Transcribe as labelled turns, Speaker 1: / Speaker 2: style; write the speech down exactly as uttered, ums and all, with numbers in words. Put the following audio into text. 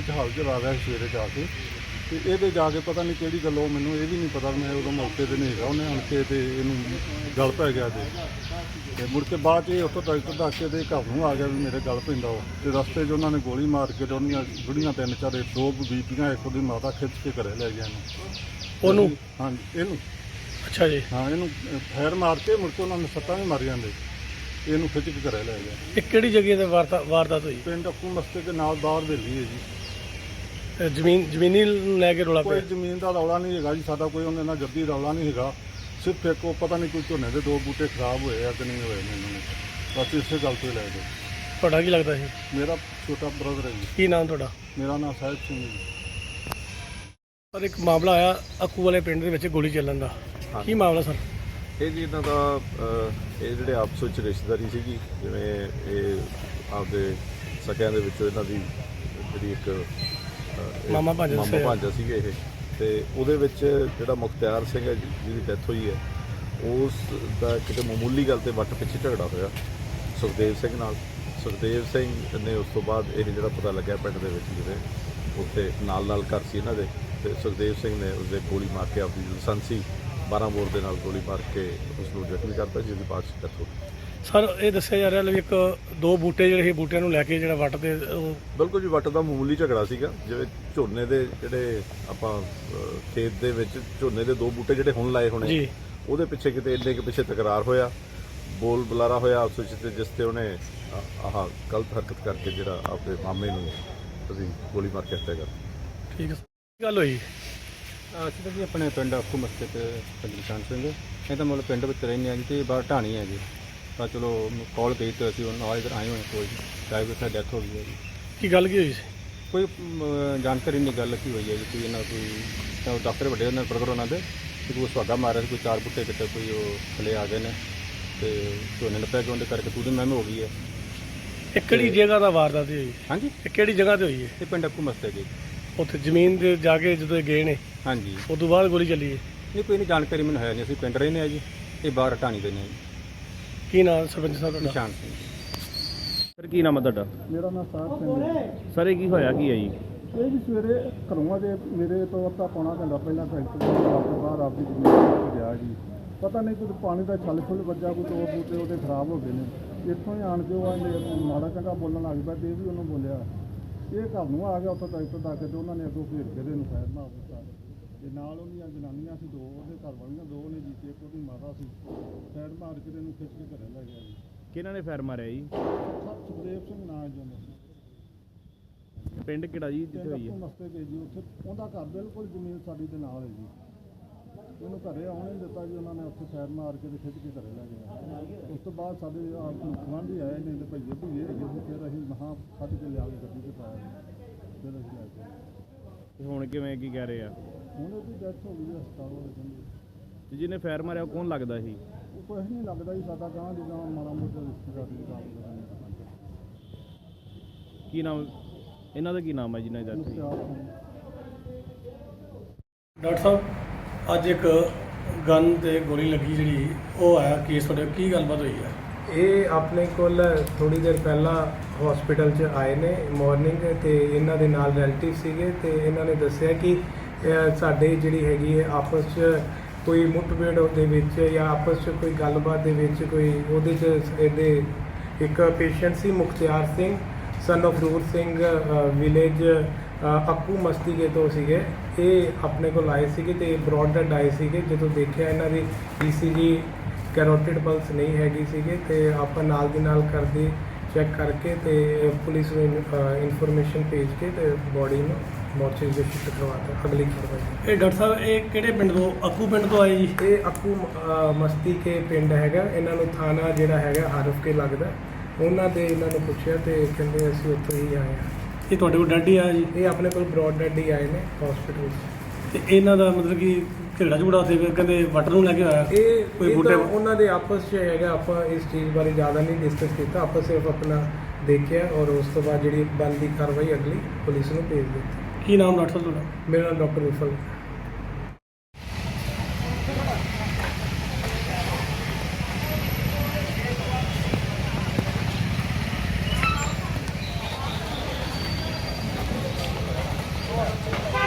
Speaker 1: ਵਿੱਚ ਹਾਲ ਚਲਾ ਰਿਹਾ ਸੀ ਸਵੇਰੇ ਜਾ ਕੇ ਤੇ ਇਹਦੇ ਜਾ ਕੇ ਪਤਾ ਨਹੀਂ ਕਿਹੜੀ ਗੱਲੋਂ ਮੈਨੂੰ ਇਹ ਵੀ ਨਹੀਂ ਪਤਾ ਮੈਂ ਉਦੋਂ ਮੌਕੇ ਤੇ ਨਹੀਂ ਹੈਗਾ ਉਹਨੇ ਆਣ ਕੇ ਤੇ ਇਹਨੂੰ ਗਲ ਪੈ ਗਿਆ ਤੇ ਤੇ ਮੁੜ ਕੇ ਬਾਅਦ 'ਚ ਇਹ ਉੱਥੋਂ ਡਾਕਟਰ ਦੱਸ ਕੇ ਦੇ ਘਰ ਨੂੰ ਆ ਗਿਆ ਵੀ ਮੇਰੇ ਗਲ ਪੈਂਦਾ ਉਹ ਤੇ ਰਸਤੇ 'ਚ ਉਹਨਾਂ ਨੇ ਗੋਲੀ ਮਾਰ ਕੇ ਤੇ ਉਹਦੀਆਂ ਬੁੜੀਆਂ ਤਿੰਨ ਚਾਰੇ ਦੋ ਬੀਬੀਆਂ ਇੱਕ ਉਹਦੀ ਮਾਤਾ ਖਿੱਚ ਕੇ ਘਰੇ ਲੈ ਗਿਆ ਇਹਨੂੰ
Speaker 2: ਉਹਨੂੰ
Speaker 1: ਹਾਂਜੀ ਇਹਨੂੰ
Speaker 2: ਅੱਛਾ ਜੀ।
Speaker 1: ਹਾਂ ਇਹਨੂੰ ਫੈਰ ਮਾਰ ਕੇ ਮੁੜ ਕੇ ਉਹਨਾਂ ਨੇ ਸੱਟਾਂ ਵੀ ਮਾਰੀਆਂ ਨੇ ਇਹਨੂੰ ਖਿੱਚ ਕੇ ਘਰੇ ਲੈ ਗਿਆ।
Speaker 2: ਇਹ ਕਿਹੜੀ ਜਗ੍ਹਾ ਤੇ ਵਾਰਤਾ ਵਾਰਦਾਤ ਹੋਈ?
Speaker 1: ਪਿੰਡ ਅੱਕੂ ਮਸਤੇ ਦੇ ਨਾਲ ਬਾਹਰ ਵੇਲੀ ਹੈ ਜੀ।
Speaker 2: ਤੇ ਜ਼ਮੀਨ ਜ਼ਮੀਨੀ ਲੈ ਕੇ ਰੌਲਾ
Speaker 1: ਕੋਈ
Speaker 2: ਪਿਆ?
Speaker 1: ਜ਼ਮੀਨ ਦਾ ਰੌਲਾ ਨਹੀਂ ਹੈਗਾ ਜੀ ਸਾਡਾ, ਕੋਈ ਉਹਦੇ ਨਾਲ ਜੱਦੀ ਰੌਲਾ ਨਹੀਂ ਹੈਗਾ। ਸਿਰਫ ਇੱਕ ਉਹ ਪਤਾ ਨਹੀਂ ਕੋਈ ਝੋਨੇ ਦੇ ਦੋ ਬੂਟੇ ਖਰਾਬ ਹੋਏ ਆ ਕਿ ਨਹੀਂ ਹੋਏ ਮੈਨੂੰ ਬਸ ਇਸੇ ਗੱਲ ਤੋਂ ਹੀ ਲੈ ਗਏ।
Speaker 2: ਤੁਹਾਡਾ ਕੀ ਲੱਗਦਾ ਸੀ?
Speaker 1: ਮੇਰਾ ਛੋਟਾ ਬ੍ਰਦਰ ਹੈ ਜੀ।
Speaker 2: ਕੀ ਨਾਮ ਤੁਹਾਡਾ?
Speaker 1: ਮੇਰਾ ਨਾਮ ਸਾਹਿਬ ਸਿੰਘ ਜੀ।
Speaker 2: ਪਰ ਇੱਕ ਮਾਮਲਾ ਆਇਆ ਅੱਕੂ ਵਾਲੇ ਪਿੰਡ ਦੇ ਵਿੱਚ ਗੋਲੀ ਚੱਲਣ ਦਾ, ਕੀ ਮਾਮਲਾ ਸਰ?
Speaker 3: ਇਹ ਜੀ ਇਹਨਾਂ ਦਾ ਅਹ, ਇਹ ਜਿਹੜੇ ਆਪਸ ਵਿੱਚ ਰਿਸ਼ਤੇਦਾਰੀ ਸੀਗੀ, ਜਿਵੇਂ ਇਹ ਆਪਦੇ ਸਕਿਆਂ ਦੇ ਵਿੱਚੋਂ ਇਹਨਾਂ ਦੀ ਜਿਹੜੀ ਇੱਕ ਅਹ, ਇਹ
Speaker 2: ਮਾਮਾ ਭਾਂਜਾ
Speaker 3: ਮਾਮਾ
Speaker 2: ਦੱਸਿਆ।
Speaker 3: ਭਾਂਜਾ ਸੀਗੇ ਇਹ, ਤੇ ਉਹਦੇ ਵਿੱਚ ਜਿਹੜਾ ਮੁਖਤਿਆਰ ਸਿੰਘ ਹੈ ਜੀ- ਜਿਹਦੀ ਡੈਥ ਹੋਈ ਹੈ, ਉਸ ਦਾ ਕਿਤੇ ਮਾਮੂਲੀ ਗੱਲ ਤੇ ਵੱਟ ਪਿੱਛੇ ਝਗੜਾ ਹੋਇਆ ਸੁਖਦੇਵ ਸਿੰਘ ਨਾਲ। ਸੁਖਦੇਵ ਸਿੰਘ ਨੇ ਉਸ ਤੋਂ ਬਾਅਦ ਇਹ ਜਿਹੜਾ ਪਤਾ ਲੱਗਿਆ ਪਿੰਡ ਦੇ ਵਿੱਚ ਜਿਹੜੇ ਉੱਥੇ ਨਾਲ ਨਾਲ ਘਰ ਸੀ ਇਹਨਾਂ ਦੇ, ਤੇ ਸੁਖਦੇਵ ਸਿੰਘ ਨੇ ਉਸਦੇ ਗੋਲੀ ਮਾਰ ਕੇ ਆਪਣੀ ਲਾਇਸੈਂਸੀ ਬਾਰਾਂ ਬੋਰ ਦੇ ਨਾਲ ਗੋਲੀ ਮਾਰ ਕੇ ਉਸ ਨੂੰ ਜ਼ਖਮੀ ਕਰਤਾ, ਜਿਹਦੀ ਬਾਅਦ 'ਚ ਡੈਥ ਹੋ ਗਈ।
Speaker 2: ਸਰ ਇਹ ਦੱਸਿਆ ਜਾ ਰਿਹਾ ਵੀ ਇੱਕ ਦੋ ਬੂਟੇ ਜਿਹੜੇ ਸੀ, ਬੂਟਿਆਂ ਨੂੰ ਲੈ ਕੇ ਜਿਹੜਾ ਵੱਟ ਤੇ ਉਹ
Speaker 3: ਬਿਲਕੁਲ ਜੀ, ਵੱਟ ਦਾ ਮਾਮੂਲੀ ਝਗੜਾ ਸੀਗਾ। ਜਿਵੇਂ ਝੋਨੇ ਦੇ ਜਿਹੜੇ ਆਪਾਂ ਅਹ, ਖੇਤ ਦੇ ਵਿੱਚ ਝੋਨੇ ਦੇ ਦੋ ਬੂਟੇ ਜਿਹੜੇ ਹੁਣ ਲਾਏ ਹੋਣੇ,
Speaker 2: ਜੀ
Speaker 3: ਉਹਦੇ ਪਿੱਛੇ ਕਿਤੇ ਇੰਨੇ ਕੁ ਪਿੱਛੇ ਤਕਰਾਰ ਹੋਇਆ, ਬੋਲ ਬੁਲਾਰਾ ਹੋਇਆ ਆਪਸ ਵਿੱਚ, ਤੇ ਜਿਸ ਤੇ ਉਹਨੇ ਆ- ਆਹ ਗਲਤ ਹਰਕਤ ਕਰਕੇ ਜਿਹੜਾ ਆਪਣੇ ਮਾਮੇ ਨੂੰ ਅਸੀਂ ਗੋਲੀ ਮਾਰ ਕੇ ਹੱਤਿਆ ਕਰ ਦਿੱਤੀ।
Speaker 2: ਠੀਕ ਹੈ ਸਰ। ਕੀ ਗੱਲ ਹੋਈ?
Speaker 4: ਅਸੀਂ ਤਾਂ ਜੀ ਆਪਣੇ ਪਿੰਡ ਅੱਖੂ ਮਸਤੇ ਤੇ ਪੰਜੀਕਾਨ ਸਿੰਘ ਇਹ ਤਾਂ ਮਤਲਬ ਪਿੰਡ ਵਿੱਚ ਰਹਿੰਦੇ ਹਾਂ ਜੀ ਤੇ ਬਾਹਰ ਢਾਣੀ ਹੈ ਜੀ। ਤਾਂ ਚਲੋ ਕਾਲ ਗਈ ਤੇ ਅਸੀਂ ਨਾਲ ਇੱਧਰ ਆਏ ਹੋਏ ਕੋਈ ਡਰਾਈਵਰ ਦੀ ਡੈਥ ਹੋ ਗਈ ਹੈ ਜੀ।
Speaker 2: ਕੀ ਗੱਲ ਕੀ ਹੋਈ ਸੀ?
Speaker 4: ਕੋਈ ਅਮ, ਜਾਣਕਾਰੀ ਨਹੀਂ ਗੱਲ ਕੀ ਹੋਈ ਹੈ ਜੀ। ਕੋਈ ਇਹਨਾਂ ਕੋਈ ਤਾਂ ਉਹ ਡਾਕਟਰ ਵੱਡੇ ਉਹਨਾਂ ਬਰਗਰ ਉਹਨਾਂ ਦੇ ਤੇ ਕੋਈ ਸੁਹਾਗਾ ਮਾਰਿਆ ਸੀ, ਕੋਈ ਚਾਰ ਬੁੱਟੇ ਕਿਤੇ ਕੋਈ ਉਹ ਥੱਲੇ ਆ ਗਏ ਨੇ ਤੇ ਝੋਨੇ ਨੱਪਿਆ ਗਿਆ ਉਹਦੇ ਕਰਕੇ ਤੂੰ ਦੀ ਮਹਿਮ ਹੋ ਗਈ ਹੈ।
Speaker 2: ਇਹ ਕਿਹੜੀ ਜਗ੍ਹਾ ਦਾ ਵਾਰਦਾਤ ਹੋਈ?
Speaker 4: ਹਾਂਜੀ
Speaker 2: ਇਹ ਕਿਹੜੀ ਜਗ੍ਹਾ ਤੇ ਹੋਈ ਹੈ?
Speaker 4: ਇਹ ਪਿੰਡ ਅੱਖੂ ਮਸਤੇ ਜੀ।
Speaker 2: ਉੱਥੇ ਜ਼ਮੀਨ ਦੇ ਜਾ ਕੇ ਜਦੋਂ ਇਹ ਗਏ ਨੇ
Speaker 4: ਹਾਂਜੀ
Speaker 2: ਉਸ ਤੋਂ ਬਾਅਦ ਗੋਲੀ ਚੱਲੀ ਹੈ?
Speaker 4: ਇਹ ਕੋਈ ਨਹੀਂ ਜਾਣਕਾਰੀ ਮੈਨੂੰ ਹੈ ਨਹੀਂ। ਅਸੀਂ ਪਿੰਡ ਰਹਿੰਦੇ ਹਾਂ ਜੀ, ਇਹ ਬਾਹਰ ਢਾਣੀ ਦੇ ਨੇ ਜੀ।
Speaker 2: ਕੀ ਨਾਮ ਸਰਪੰਚ ਸਾਹਿਬ ਤੁਹਾਡਾ?
Speaker 4: ਨਿਸ਼ਾਨ ਸਿੰਘ ਜੀ।
Speaker 5: ਸਰ ਕੀ ਨਾਮ ਹੈ ਤੁਹਾਡਾ?
Speaker 1: ਮੇਰਾ ਨਾਮ ਸਾਹਿਬ ਸਿੰਘ ਹੈ।
Speaker 5: ਸਰ ਇਹ ਕੀ ਹੋਇਆ ਕੀ ਹੈ ਜੀ?
Speaker 1: ਇਹ ਵੀ ਸਵੇਰੇ ਘਰੋਂ ਦੇ ਮੇਰੇ ਤੋਂ ਅੱਧਾ ਪੌਣਾ ਘੰਟਾ ਪਹਿਲਾਂ ਟਰੈਕਟਰ ਤੋਂ ਬਾਹਰ ਆਪਦੀ ਜ਼ਮੀਨ ਤੇ ਗਿਆ ਜੀ। ਪਤਾ ਨਹੀਂ ਕੋਈ ਪਾਣੀ ਦਾ ਛੱਲ ਛੁੱਲ ਵੱਜਾ, ਕੋਈ ਦੋ ਬੂਟੇ ਉਹਦੇ ਖਰਾਬ ਹੋ ਗਏ ਨੇ। ਇੱਥੋਂ ਹੀ ਆਣ ਕੇ ਉਹ ਆਂਦੇ ਮਾੜਾ ਚੰਗਾ ਬੋਲਣ ਲੱਗ ਪਿਆ ਤੇ ਇਹ ਵੀ ਉਹਨੂੰ ਬੋਲਿਆ। ਇਹ ਘਰ ਨੂੰ ਆ ਗਿਆ ਉੱਥੋਂ ਟਰੈਕਟਰ ਦਾ ਕੇ ਤੇ ਉਹਨਾਂ ਨੇ ਅੱਗੋਂ ਘੇਰ ਕੇ ਦੇ ਨੂੰ ਫਾਇਰ ਮਾਰ ਦਿੱਤਾ। ਤੇ ਨਾਲ ਉਹਦੀਆਂ ਜਨਾਨੀਆਂ ਸੀ ਦੋ, ਉਹਦੇ ਘਰ ਵਾਲੀਆਂ ਦੋ ਨੇ ਜੀ, ਤੇ ਇੱਕ ਉਹਦੀ ਮਾਤਾ ਸੀ। ਫਾਇਰ ਮਾਰ ਕੇ ਇਹਨੂੰ ਖਿੱਚ ਕੇ ਘਰੇ ਲੈ ਗਿਆ ਜੀ।
Speaker 5: ਕਿਹਨਾਂ ਨੇ ਫਾਇਰ ਮਾਰਿਆ ਜੀ?
Speaker 1: ਸੁਖਦੇਵ ਸਿੰਘ ਨਾਂ ਜੀ ਉਹਦਾ।
Speaker 5: ਪਿੰਡ ਕਿਹੜਾ ਜੀ ਜਿੱਥੇ ਹੋਈ
Speaker 1: ਅੱਖੂ
Speaker 5: ਹੈ?
Speaker 1: ਮਸਤੇ ਗਏ ਜੀ। ਉੱਥੇ ਉਹਦਾ ਘਰ ਬਿਲਕੁਲ ਜ਼ਮੀਨ ਸਾਡੀ ਦੇ ਨਾਲ ਹੈ ਜੀ। ਉਹਨੂੰ ਘਰੇ ਆਉਣ ਨਹੀਂ ਦਿੱਤਾ ਜੀ ਉਹਨਾਂ ਨੇ। ਉੱਥੇ ਫੈਰ ਮਾਰ ਕੇ ਤੇ ਖਿੱਚ ਕੇ ਘਰੇ ਲੈ ਗਏ। ਉਸ ਤੋਂ ਬਾਅਦ ਸਾਡੇ ਗੁਆਂਢੀ ਆਏ ਨੇ ਤੇ ਭਈਏ ਭਈਏ ਹੈਗੇ ਸੀ। ਫਿਰ ਅਸੀਂ ਮਹਾਂ ਕੱਢ ਕੇ ਲਿਆ ਕੇ ਗੱਡੀ 'ਚ ਪਾਇਆ। ਫਿਰ ਅਸੀਂ ਲੈ ਕੇ
Speaker 5: ਤੇ ਹੁਣ ਕਿਵੇਂ ਕੀ ਕਹਿ ਰਹੇ ਆ?
Speaker 1: ਹੁਣ ਉਹਦੀ ਡੈਥ ਹੋ ਗਈ ਜੀ ਹਸਪਤਾਲ ਵਾਲੇ ਕਹਿੰਦੇ।
Speaker 5: ਤੇ ਜਿਹਨੇ ਫਾਇਰ ਮਾਰਿਆ ਉਹ ਕੌਣ ਲੱਗਦਾ ਸੀ?
Speaker 1: ਉਹ ਕੁਛ ਨਹੀਂ ਲੱਗਦਾ ਜੀ ਸਾਡਾ ਗਾਂ ਦੀ ਗਾਂ ਮਾੜਾ ਮੋਟਾ ਰਿਸ਼ਤੇਦਾਰ ਦੀ ਗਾਂ ਦਾ।
Speaker 5: ਕੀ ਨਾਮ ਇਹਨਾਂ ਦਾ? ਕੀ ਨਾਮ ਹੈ ਜਿਹਨਾਂ ਦੀ ਡੈਥ ਹੋਈ?
Speaker 1: ਮੁਖਤਿਆਰ ਸਿੰਘ।
Speaker 2: ਡਾਕਟਰ ਸਾਹਿਬ ਅੱਜ ਇੱਕ ਗਨ ਤੇ ਗੋਲੀ ਲੱਗੀ ਜਿਹੜੀ ਉਹ ਆਇਆ ਕੇਸ ਤੁਹਾਡੇ, ਕੀ ਗੱਲਬਾਤ ਹੋਈ ਹੈ?
Speaker 6: ਇਹ ਆਪਣੇ ਕੋਲ ਥੋੜੀ ਦੇਰ ਪਹਿਲਾਂ ਹਸਪੀਟਲ 'ਚ ਆਏ ਨੇ ਮਾਰਨਿੰਗ, ਤੇ ਇਹਨਾਂ ਦੇ ਨਾਲ ਰਿਲੇਟਿਵ ਸੀਗੇ ਤੇ ਇਹਨਾਂ ਨੇ ਦੱਸਿਆ ਕਿ ਅਹ, ਸਾਡੇ ਜਿਹੜੀ ਹੈਗੀ ਹੈ ਆਪਸ 'ਚ ਕੋਈ ਮੁੱਠਭੇੜ ਦੇ ਵਿੱਚ ਜਾਂ ਆਪਸ 'ਚ ਕੋਈ ਗੱਲਬਾਤ ਦੇ ਵਿੱਚ ਕੋਈ ਉਹਦੇ 'ਚ ਇਹਦੇ ਇੱਕ ਪੇਸ਼ੈਂਟ ਸੀ Mukhtiar Singh son of Rur Singh village Akku Mastike ਤੋਂ ਸੀਗੇ। ਇਹ ਆਪਣੇ ਕੋਲ ਆਏ ਸੀਗੇ ਤੇ ਬਰੌਡ ਡੈਡ ਆਏ ਸੀਗੇ। ਜਦੋਂ ਦੇਖਿਆ ਇਹਨਾਂ ਦੀ ਈ ਸੀ ਜੀ ਕੈਰੋਟਿਡ ਪਲਸ ਨਹੀਂ ਹੈਗੀ ਸੀਗੇ ਤੇ ਆਪਾਂ ਨਾਲ ਦੀ ਨਾਲ ਕਰਦੇ ਚੈੱਕ ਕਰਕੇ ਤੇ ਪੁਲਿਸ ਨੂੰ ਇਨਫੋਰਮੇਸ਼ਨ ਭੇਜ ਕੇ ਤੇ ਬੋਡੀ ਨੂੰ ਮੋਰਚਰੀ ਵਿੱਚ ਸ਼ਿਫਟ ਕਰਵਾਤਾ ਅਗਲੀ ਕਾਰਵਾਈ।
Speaker 2: ਇਹ ਡਾਕਟਰ ਸਾਹਿਬ ਇਹ ਕਿਹੜੇ ਪਿੰਡ ਤੋਂ? ਅੱਕੂ ਪਿੰਡ ਤੋਂ ਆਏ ਜੀ?
Speaker 6: ਇਹ ਅੱਕੂ ਅ, ਮਸਤੀਕੇ ਪਿੰਡ ਹੈਗਾ। ਇਹਨਾਂ ਨੂੰ ਥਾਣਾ ਜਿਹੜਾ ਹੈਗਾ ਹਰਫ ਕੇ ਲੱਗਦਾ। ਉਹਨਾਂ ਦੇ ਇਹਨਾਂ ਨੂੰ ਪੁੱਛਿਆ ਤੇ ਕਹਿੰਦੇ ਅਸੀਂ ਉੱਥੋਂ ਹੀ ਆਏ ਹਾਂ।
Speaker 2: ਇਹ ਤੁਹਾਡੇ ਕੋਲ ਡੈਡ ਹੀ ਆਇਆ ਜੀ?
Speaker 6: ਇਹ ਆਪਣੇ ਕੋਲ ਬਰੌਡ ਡੈਡ ਹੀ ਆਏ ਨੇ ਹਸਪੀਟਲ ਵਿੱਚ।
Speaker 2: ਤੇ ਇਹਨਾਂ ਦਾ ਮਤਲਬ ਕਿ ਝਗੜਾ ਝੁਗੜਾ ਉੱਥੇ ਫਿਰ ਕਹਿੰਦੇ ਵੱਟ ਨੂੰ ਲੈ ਕੇ ਆਇਆ
Speaker 6: ਇਹ
Speaker 2: ਕੋਈ
Speaker 6: ਇਹ
Speaker 2: ਬੂਟੇ?
Speaker 6: ਤਾਂ ਉਹਨਾਂ ਦੇ ਆਪਸ 'ਚ ਹੈਗਾ। ਆਪਾਂ ਇਸ ਚੀਜ਼ ਬਾਰੇ ਜ਼ਿਆਦਾ ਨਹੀਂ ਡਿਸਕਸ ਕੀਤਾ। ਆਪਾਂ ਸਿਰਫ ਆਪਣਾ ਦੇਖਿਆ ਔਰ ਉਸ ਤੋਂ ਬਾਅਦ ਜਿਹੜੀ ਬਣਦੀ ਕਾਰਵਾਈ ਅਗਲੀ ਪੁਲਿਸ ਨੂੰ ਭੇਜ ਦਿੱਤੀ।
Speaker 2: ਕੀ ਨਾਮ ਡਾਕਟਰ ਸਾਹਿਬ ਤੁਹਾਡਾ?
Speaker 6: ਮੇਰਾ ਨਾਮ ਡਾਕਟਰ ਵਿਫਲ। ਹੈ